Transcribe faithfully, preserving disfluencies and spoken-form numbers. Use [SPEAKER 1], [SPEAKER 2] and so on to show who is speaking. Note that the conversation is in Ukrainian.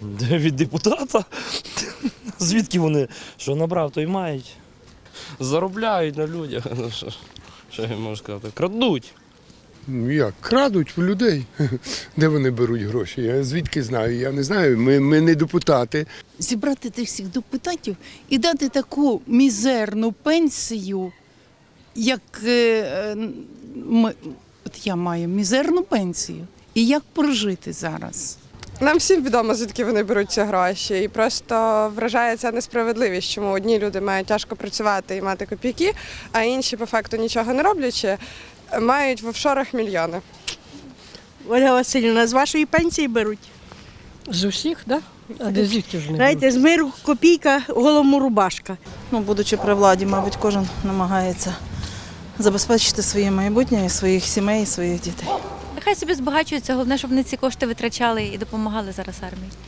[SPEAKER 1] Від депутата. Звідки вони? Що набрав, то й мають.
[SPEAKER 2] Заробляють на людях. Ну, що, що я можу сказати? Крадуть.
[SPEAKER 3] Ну як, крадуть в людей. Де вони беруть гроші? Я звідки знаю? Я не знаю. Ми, ми не депутати.
[SPEAKER 4] Зібрати тих всіх депутатів і дати таку мізерну пенсію, як е, ми, от я маю мізерну пенсію. І як прожити зараз?
[SPEAKER 5] Нам всім відомо, звідки вони беруть ці гроші. І просто вражає ця несправедливість, чому одні люди мають тяжко працювати і мати копійки, а інші, по факту, нічого не роблячи, мають в офшорах мільйони.
[SPEAKER 6] Ольга Васильівна, з вашої пенсії беруть?
[SPEAKER 7] З усіх, так? Да? А де звідки ж не
[SPEAKER 6] Знаєте, з миру копійка, голому рубашка.
[SPEAKER 8] Ну, будучи при владі, мабуть, кожен намагається забезпечити своє майбутнє, і своїх сімей, і своїх дітей.
[SPEAKER 9] Нехай собі збагачуються, головне, щоб вони ці кошти витрачали і допомагали зараз армії.